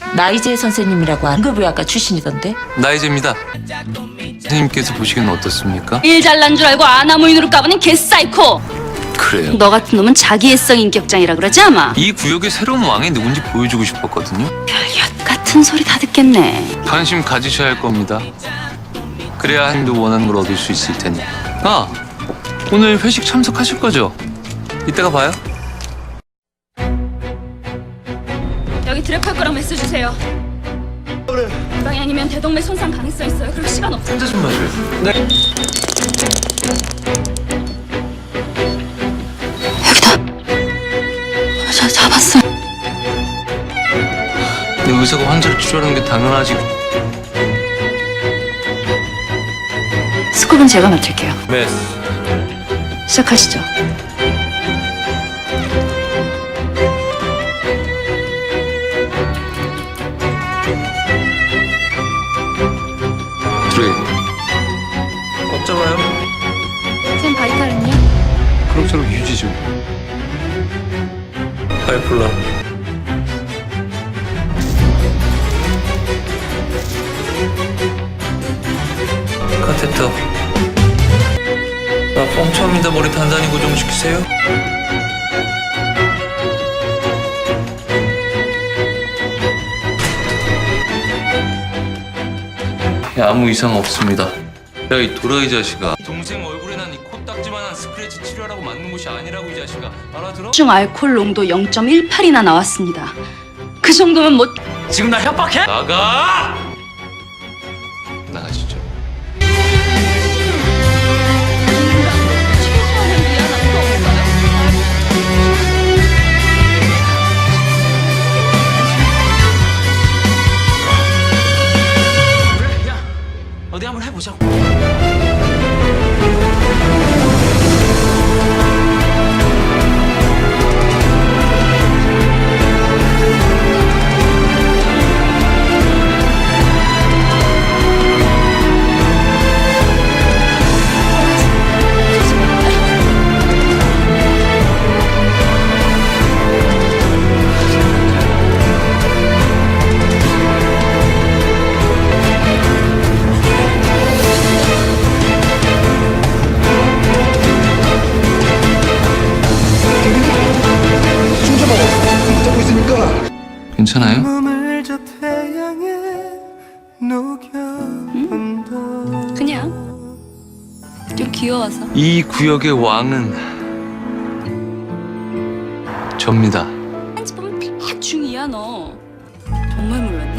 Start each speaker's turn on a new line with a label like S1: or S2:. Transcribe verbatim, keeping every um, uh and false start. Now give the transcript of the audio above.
S1: 나이제 선생님이라고 안급의학과 출신이던데.
S2: 나이제입니다. 선생님께서 보시기엔 어떻습니까?
S3: 일 잘난 줄 알고 아나무인으로 까부는 개사이코.
S2: 그래요.
S3: 너 같은 놈은 자기애성 인격장이라 그러지 아마.
S2: 이 구역의 새로운 왕이 누군지 보여주고 싶었거든요.
S3: 별엿 같은 소리 다 듣겠네.
S2: 관심 가지셔야 할 겁니다. 그래야 한도 원하는 걸 얻을 수 있을 테니. 아, 오늘 회식 참석하실 거죠? 이따가 봐요.
S3: 여기 드랩할 거랑 메시지 주세요. 그래. 이 방향이면 대동맥 손상 가능성 있어요. 그리고 시간 없어요.
S2: 혼자 좀 마셔요. 네.
S3: 여기다. 자, 잡았어.
S2: 내 의사가 환자를 치료하는 게 당연하지.
S3: 스쿱은 제가 맡을게요.
S2: 메스.
S3: 시작하시죠.
S2: 드레이. 꽉 잡아요.
S3: 쌤 바이탈은요?
S2: 그럭저럭 유지 좀. 하이플라. 카테터. 나 뻥쳐입니다. 머리 단단히 고정시키세요. 야, 아무 이상 없습니다. 야, 이 도라이 자식아. 동생 얼굴에 난 이 코딱지만한 스크래치 치료하라고 맞는 곳이 아니라고, 이 자식아. 알아들어?
S3: 중 알코올 농도 영 점 일팔이나 나왔습니다. 그 정도면 못.
S2: 지금 나 협박해? 나가! 나가시죠.
S4: 어디 한번 해보자고.
S2: 괜찮아요?
S3: 응? 그냥 좀 귀여워서.
S2: 이 구역의 왕은 접니다.
S3: 한지 보면 딱 중이야 너. 정말 몰랐네.